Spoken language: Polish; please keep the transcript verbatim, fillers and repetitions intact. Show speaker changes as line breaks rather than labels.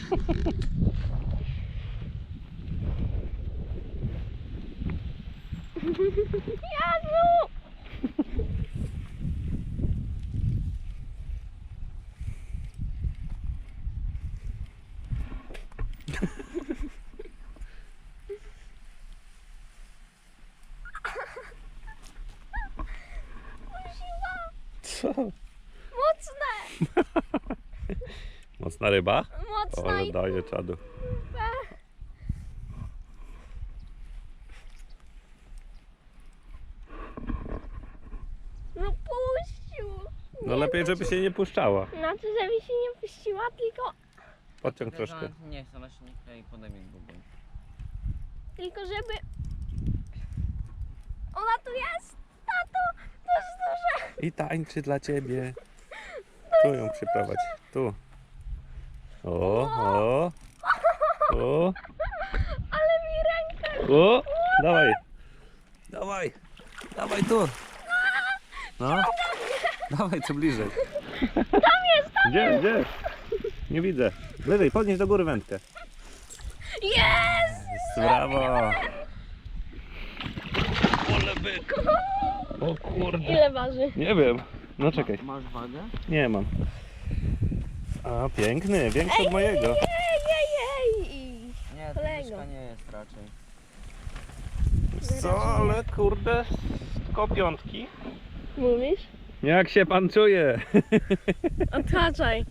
Jezu!
Co?
Mocne!
Mocna ryba?
Mocna
Ale
i
daje czadu.
No puścił!
No lepiej, żeby się nie puszczała.
Znaczy, żeby się nie puściła, tylko,
Podciąg troszkę.
Nie chcę, ona się nie klei, podaj mi bubon.
tylko żeby... Ona tu jest! Tato! To jest duże!
I tańczy dla ciebie. Tu ją przyprowadź. Tu. O, o. O,
Ale mi rękę!
o. Dawaj. Dawaj. Dawaj tu. No. Dawaj tu bliżej.
Tam jest! Tam
Gdzie, gdzie? Nie widzę. Wyżej, podnieś do góry wędkę.
jest!
Brawo. Ole byk. O kurde.
Ile waży?
Nie wiem. No czekaj.
Masz wagę?
Nie mam. A piękny, większy od mojego.
Ej, ej, ej!
Nie,
Kolego.
to nie jest raczej.
Co, ale kurde, tylko piątki.
Mówisz?
Jak się pan czuje?
Odhaczaj.